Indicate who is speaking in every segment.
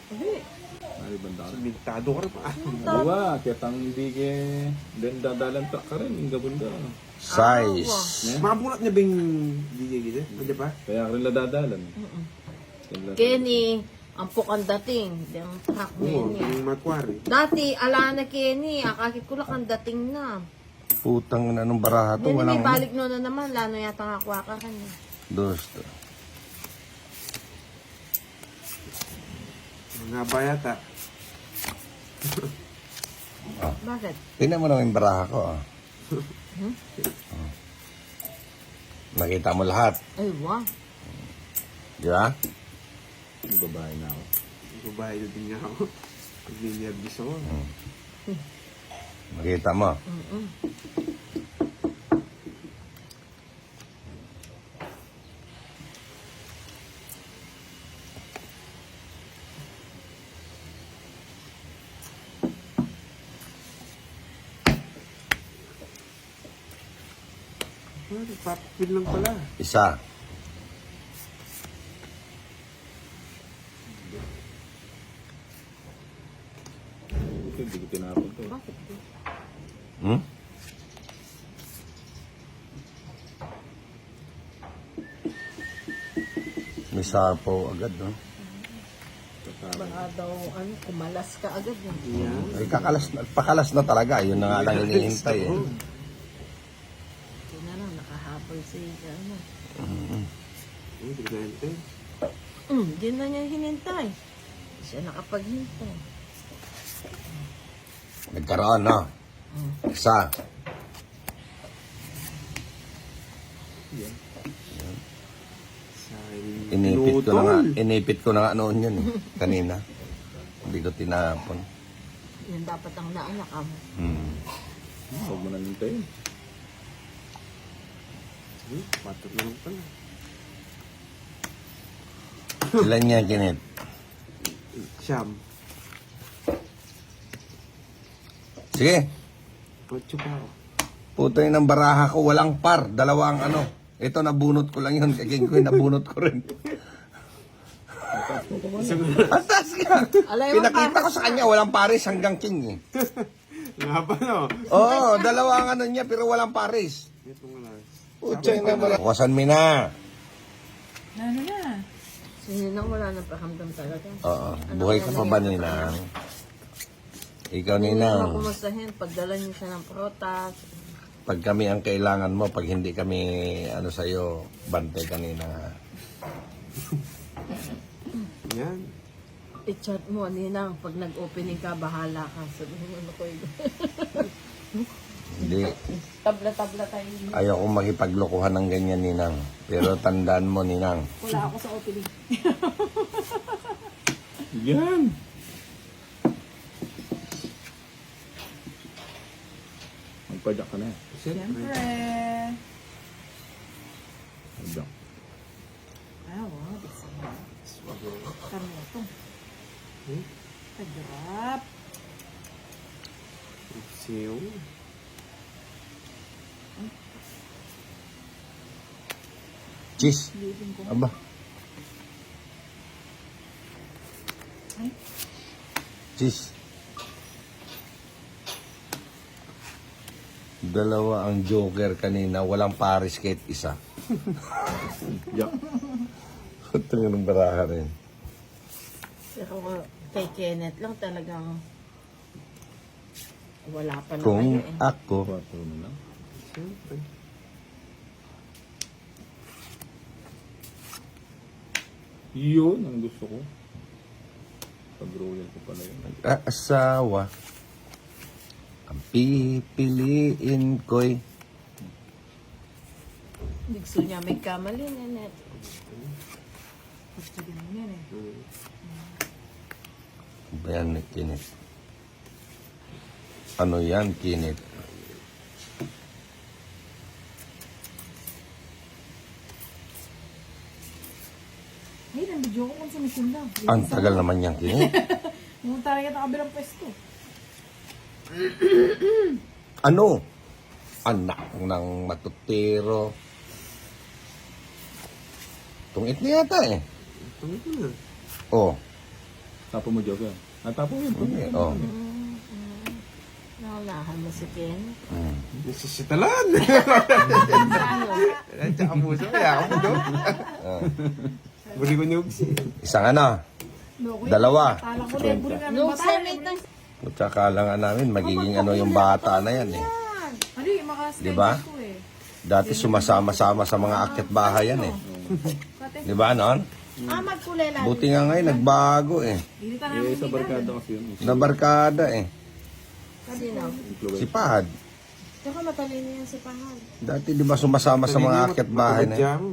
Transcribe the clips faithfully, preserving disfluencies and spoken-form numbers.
Speaker 1: Hindi.
Speaker 2: Ay, banda.
Speaker 3: Simentado ka rin pa.
Speaker 2: Buwa, kaya tang hindi ke... Then dadalan ta ka rin, yung gabunda.
Speaker 4: Size.
Speaker 3: Makabulat niya ba yung D J gito? Hindi pa?
Speaker 2: Kaya ka rin nadadalan.
Speaker 1: Kenny, ang pukang dating. Yung truck
Speaker 3: Oo,
Speaker 1: niya.
Speaker 3: yung makwari.
Speaker 1: Dati, ala na Kenny. Akakit ko lang ang dating na.
Speaker 4: Putang na nung baraha to.
Speaker 1: Hindi may
Speaker 4: Walang
Speaker 1: balik no na naman. Lano yata nga kuha ka kanya.
Speaker 4: dos.
Speaker 3: Mga bayata.
Speaker 1: Bakit?
Speaker 4: Tingnan mo naman yung baraha ko. Ah. Oh. Nakita mo lahat.
Speaker 1: Ay, wow.
Speaker 4: Di ba?
Speaker 2: Yung babae na ako.
Speaker 3: Babae na din niya ako. Pag-nervous ako.
Speaker 4: Nakita mo.
Speaker 1: Mm-mm.
Speaker 3: Ah, nagpapapil lang pala.
Speaker 4: Isa.
Speaker 2: Ito, hindi ko tinapon to.
Speaker 1: Bakit?
Speaker 4: Hmm? May sapo agad, no?
Speaker 1: Baka daw, ano, kumalas ka agad. Eh.
Speaker 3: Yeah.
Speaker 4: Ay, kakalas na, pakalas na talaga. Yun na nga lang hinihintay, eh.
Speaker 1: Hindi na lang, nakahabol si, ano.
Speaker 3: Ay, hindi ko nahintay.
Speaker 1: Mm, di na niya hinintay. Siya nakapaghintay.
Speaker 4: Nagkaroon, no? Isa.
Speaker 3: Sa
Speaker 4: Inipit ko na nga.
Speaker 3: pinutol.
Speaker 4: Inipit ko na nga noon yun, eh. Kanina. Hindi ko tinapon.
Speaker 1: Yan dapat ang naanak mo.
Speaker 4: Hmm.
Speaker 2: Huwag mo na nintayin.
Speaker 3: Hmm, patot na lang pala.
Speaker 4: Ilan yan, Kinit?
Speaker 3: Siyam.
Speaker 4: Sige.
Speaker 3: Kotso pa ako.
Speaker 4: Puto yun ng baraha ko. Walang par. Dalawa ang ano. Ito, nabunot ko lang yun. Kay King Koy, nabunot ko rin. Atas ka!
Speaker 1: Alay mo
Speaker 4: Pinakita ko sa kanya, walang pares hanggang King, eh.
Speaker 3: Nga pa, no?
Speaker 4: Oo, dalawa ang ano niya, pero walang pares.
Speaker 3: Ito nga lang.
Speaker 4: Puto yun na baraha. Wasan mo na.
Speaker 5: Ano na?
Speaker 1: Sino nang wala nang pakamdam talaga.
Speaker 4: Oo. Buhay ka pa ba, Ninang? Ikaw, Ninang.
Speaker 1: Hindi mo kumustahin, pagdala niyo siya ng protas.
Speaker 4: Pag kami ang kailangan mo, pag hindi kami, ano sa'yo, bantay kanina.
Speaker 3: Yan.
Speaker 1: I-chat mo, Ninang, pag nag-opening ka, bahala ka. Sabihin mo, ano ko yun.
Speaker 4: Hindi.
Speaker 1: Tabla-tabla tayo.
Speaker 4: Ayaw kong makipaglokohan ng ganyan, Ninang. Pero tandaan mo, Ninang.
Speaker 5: Wala ako sa opening.
Speaker 2: Yan! Magpadyak ka na eh.
Speaker 5: Siyempre.
Speaker 2: Magpadyak.
Speaker 5: Ah, wow. Bisa mo. Kami ito.
Speaker 3: Hmm?
Speaker 5: Kagrap.
Speaker 3: Siyo.
Speaker 4: Cheese.
Speaker 5: Living ko.
Speaker 4: Aba.
Speaker 5: Ay.
Speaker 4: Cheese. Dalawa ang joker kanina. Walang pares kahit isa.
Speaker 2: Yak.
Speaker 4: Ito yung baraha rin.
Speaker 1: Pero kay Kenneth lang talagang wala pa na
Speaker 4: Kung
Speaker 1: kayo eh.
Speaker 4: ako,
Speaker 2: Quattro na lang.
Speaker 3: Siyempre.
Speaker 2: Yun ang gusto ko. Pag-royal ko pala yun.
Speaker 4: asawa, ang pipiliin ko'y
Speaker 1: Hindi gusto niya may kamali, Nanette.
Speaker 5: Gusto din mo yan eh.
Speaker 4: Bayan, Kinit. Ano yan, Kinit?
Speaker 5: Ay, nang-video ko kung sumisin lang.
Speaker 4: Ang tagal naman yan, Kinit.
Speaker 5: Pumunta rin ang kabilang pwesto.
Speaker 4: Ano? Anak ng matutiro. Tungit na yata eh.
Speaker 3: Tungit mo na.
Speaker 4: Oh.
Speaker 2: Tapo mo, Joker. Ah, tapo mo yun.
Speaker 4: Hindi, oh.
Speaker 1: Naunahan mo si Ken.
Speaker 4: Mm.
Speaker 3: Nasisitalan.
Speaker 1: Ano?
Speaker 3: At saka puso, kaya ako doon.
Speaker 4: Oh.
Speaker 3: Buli ko niyugsi.
Speaker 4: Isang ano,
Speaker 5: Loko yun.
Speaker 4: dalawa.
Speaker 5: Talang ko na buli ka ng
Speaker 1: Nung
Speaker 5: bata.
Speaker 1: senate ng...
Speaker 4: Putsa kala nga namin, magiging ano yung bata na yan eh.
Speaker 5: Ano yung mga
Speaker 4: Di ba?
Speaker 5: ko eh.
Speaker 4: Dati sumasama-sama sa mga akit bahay yan eh.
Speaker 5: Kate,
Speaker 4: Di ba, non?
Speaker 1: Ah, magkulela.
Speaker 4: Buti nga ngayon, nagbago eh.
Speaker 5: hindi ka
Speaker 2: Eh,
Speaker 5: namin
Speaker 2: sa barkada kasi yun.
Speaker 4: Nabarkada eh.
Speaker 1: Sino?
Speaker 4: Si Pahad.
Speaker 1: Tsaka matalino yan si Pahal.
Speaker 4: Dati di ba sumasama sa mga akit bahay na yan?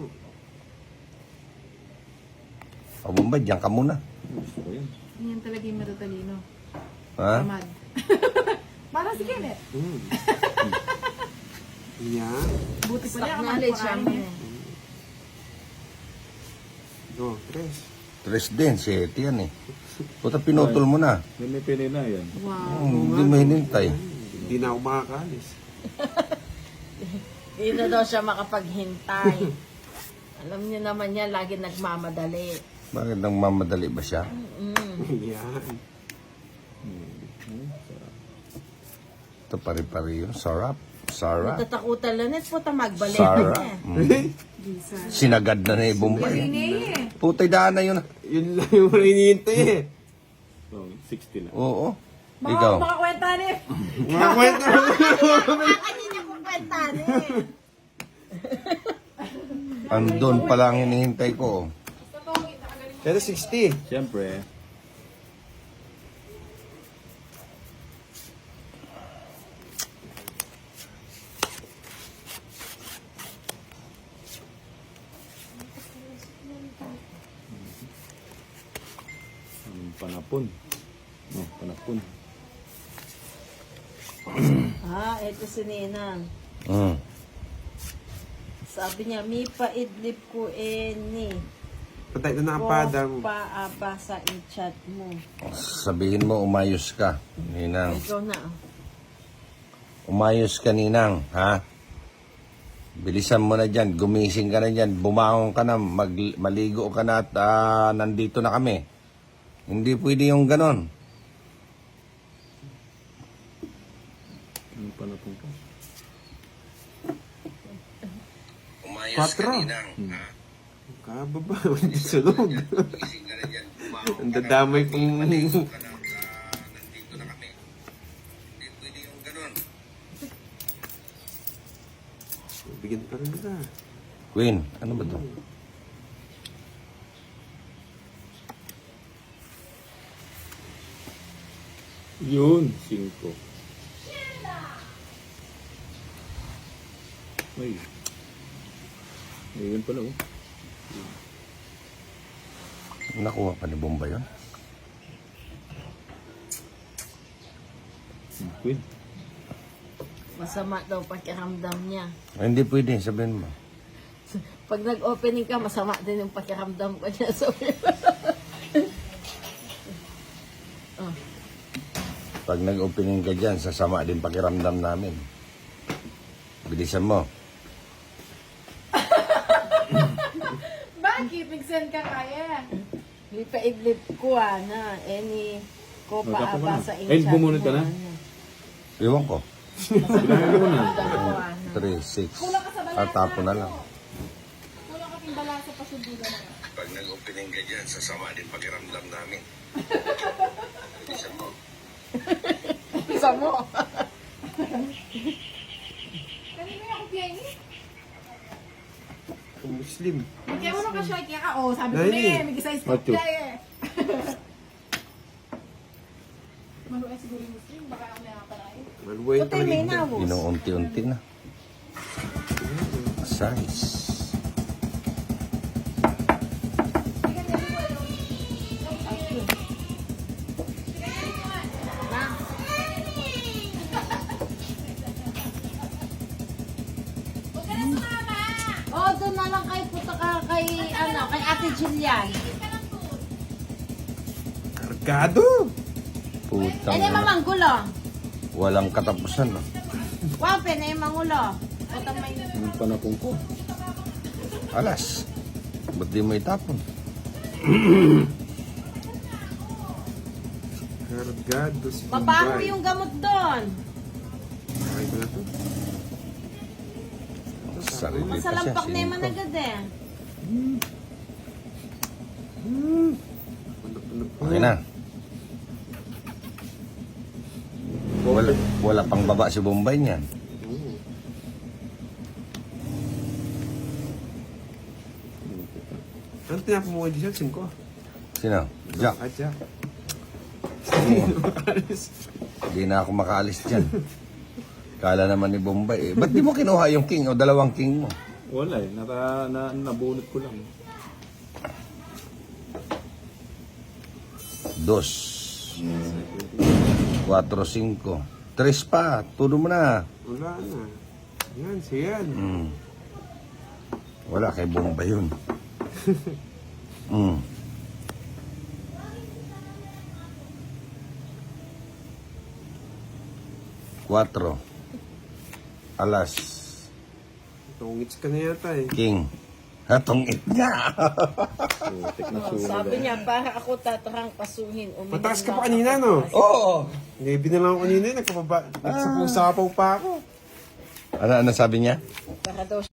Speaker 4: O Bombay, diyan ka muna.
Speaker 2: Gusto ko yun.
Speaker 5: Yan talaga yung matatalino.
Speaker 4: Ha?
Speaker 5: Tamad. Parang si Kenneth.
Speaker 3: Hmm. Yan.
Speaker 5: Buti pa
Speaker 1: Stock
Speaker 5: niya
Speaker 1: knowledge
Speaker 5: kapag
Speaker 1: yan.
Speaker 5: kumain eh.
Speaker 3: Go, tres.
Speaker 4: Tres din, sete yan eh. Puta pinutol mo na.
Speaker 2: May may pinina yan.
Speaker 5: Wow.
Speaker 4: Hmm, Hindi mo hinintay.
Speaker 3: Hindi na ako makakalis.
Speaker 1: Dito daw siya makapaghintay. Alam niyo naman niya, lagi nagmamadali.
Speaker 4: Bakit nang mamadali ba siya?
Speaker 3: Yan.
Speaker 4: Ito pari-pari yun. Sarap. Sarap.
Speaker 1: Natatakutan lang net po ta magbalik.
Speaker 4: Sarap.
Speaker 1: niya.
Speaker 4: Mm.
Speaker 5: Jesus.
Speaker 4: Sinagad na na eh, Bombay.
Speaker 5: Hindi eh.
Speaker 4: Putay daan na yun.
Speaker 3: Yun lang yung hinihintay eh.
Speaker 2: So, sixty na.
Speaker 4: Oo.
Speaker 5: Baka
Speaker 4: Ikaw.
Speaker 5: makakwenta ni.
Speaker 3: Mga kwento mo.
Speaker 1: Bakit niya kung kwentan eh?
Speaker 4: Andun pala ang hinihintay ko.
Speaker 3: Pero sixty.
Speaker 2: Siyempre, ang panapon. No, panapon.
Speaker 1: Ah, ito si Ninang.
Speaker 4: Mm.
Speaker 1: Sabi niya, mi paidlip ko eni.
Speaker 3: Patay na nakapada mo.
Speaker 1: Ko paaba sa i-chat mo.
Speaker 4: Sabihin mo, umayos ka, Ninang.
Speaker 1: Ikaw na. ah.
Speaker 4: Umayos ka, Ninang. Ha? Bilisan mo na dyan. Gumising ka na dyan. Bumangon ka na. Mag, maligo ka na at ah, nandito na kami. Hindi pwede yung ganon.
Speaker 2: Ang panapon ka.
Speaker 4: Umayos
Speaker 3: Quatro.
Speaker 4: ka, Ninang. Ha?
Speaker 3: Kababa. Sunog.
Speaker 4: Gumising ka na dyan. Bumangon
Speaker 3: Ang dadamay kong...
Speaker 4: ka na at ah, nandito na kami. Hindi pwede yung ganon.
Speaker 3: Bigyan pa rin nila.
Speaker 4: Queen, ano ba to?
Speaker 2: Yun, cinco. Ay. Ayun pala oh.
Speaker 4: Nakuha pa ni Bombay yun?
Speaker 2: Queen.
Speaker 1: Masama daw pakiramdam niya.
Speaker 4: Ay, hindi pwede, sabihin mo.
Speaker 1: Pag nag-opening ka, masama din yung pakiramdam ko niya. So,
Speaker 4: Pag nag-opening ka dyan, sasama din pakiramdam namin. Bilisan mo.
Speaker 5: Bakit? Nag-send ka kaya.
Speaker 1: mi paidlip ko ah, na. Any ko
Speaker 2: Magkapo ka
Speaker 1: paaba
Speaker 2: na.
Speaker 1: sa
Speaker 2: Eh,
Speaker 1: i-chat mo.
Speaker 2: bumunod ka na?
Speaker 1: ano.
Speaker 4: Iwan ko.
Speaker 2: Bilangin ko na.
Speaker 1: Ramdam ko ah, na.
Speaker 4: three, six.
Speaker 5: Kulang ka sa balasa.
Speaker 4: At tapo na lang.
Speaker 5: Kulang ka timbala sa pasudugan na.
Speaker 4: Pag nag-opening ka dyan, sasama din pakiramdam namin. Bilisan mo.
Speaker 1: Isa mo.
Speaker 5: Kanina yung kopya ini.
Speaker 3: Muslim.
Speaker 5: Kaya mo nung ka-short kaya ka. Oh, sabi ko
Speaker 3: Dali.
Speaker 5: na eh. May size
Speaker 2: Macho.
Speaker 5: kopya eh. Maluwa siguro yung Muslim. Baka ako nakapalay.
Speaker 3: Maluway yung
Speaker 1: Puti may
Speaker 3: paligid.
Speaker 1: nawos.
Speaker 4: Inuunti-unti na. Size.
Speaker 1: Oh, doon na lang kay puto ka kay ano, kay Ate Jillian.
Speaker 3: Kargado.
Speaker 4: Putang
Speaker 1: Ano yung
Speaker 4: ina.
Speaker 1: mamanggulo?
Speaker 4: Walang katapusan. No?
Speaker 1: Wow, pena yung mangulo. Puto may...
Speaker 2: Ang panapon ko.
Speaker 4: Alas. Ba't di mo itapon?
Speaker 3: Cargado si
Speaker 1: Mabaho
Speaker 3: Bombay.
Speaker 1: yung gamot doon.
Speaker 3: Okay ko na to.
Speaker 4: Sarili pa siya.
Speaker 1: Masalampak na yung
Speaker 4: singko.
Speaker 1: managad eh.
Speaker 3: Ano-ano po.
Speaker 4: Okay na. Wala, wala pang baba si Bombay niyan.
Speaker 3: Oo. Ano tinapo mo kayo dyan? Cinco?
Speaker 4: Sino? Jack.
Speaker 3: Ah, Jack.
Speaker 4: Hindi na ako makaalis dyan. Kala naman ni Bombay eh. Ba't di mo kinuha yung king o dalawang king mo?
Speaker 2: Wala eh. Nata, na, nabunot ko lang.
Speaker 4: Dos. Cuatro, cinco. Tres pa. Tulo mo na.
Speaker 3: Wala na. Yan, siyan.
Speaker 4: Mm. Wala kay Bombay yun. Mm. Cuatro. Alas.
Speaker 3: Tungits ka na yata eh.
Speaker 4: King. Hatong it niya.
Speaker 2: Putik na
Speaker 1: Oh,
Speaker 2: sulo.
Speaker 1: sabi niya, para ako tatarang kasuhin. Uminom
Speaker 3: Mataas ka
Speaker 1: lang
Speaker 3: pa kanina,
Speaker 1: ako.
Speaker 3: no?
Speaker 4: Oo.
Speaker 3: Ngayon na lang ako kanina, nagpapaba. Nagsapaw-sapaw pa ako.
Speaker 4: Ano, ano sabi niya?
Speaker 1: Para daw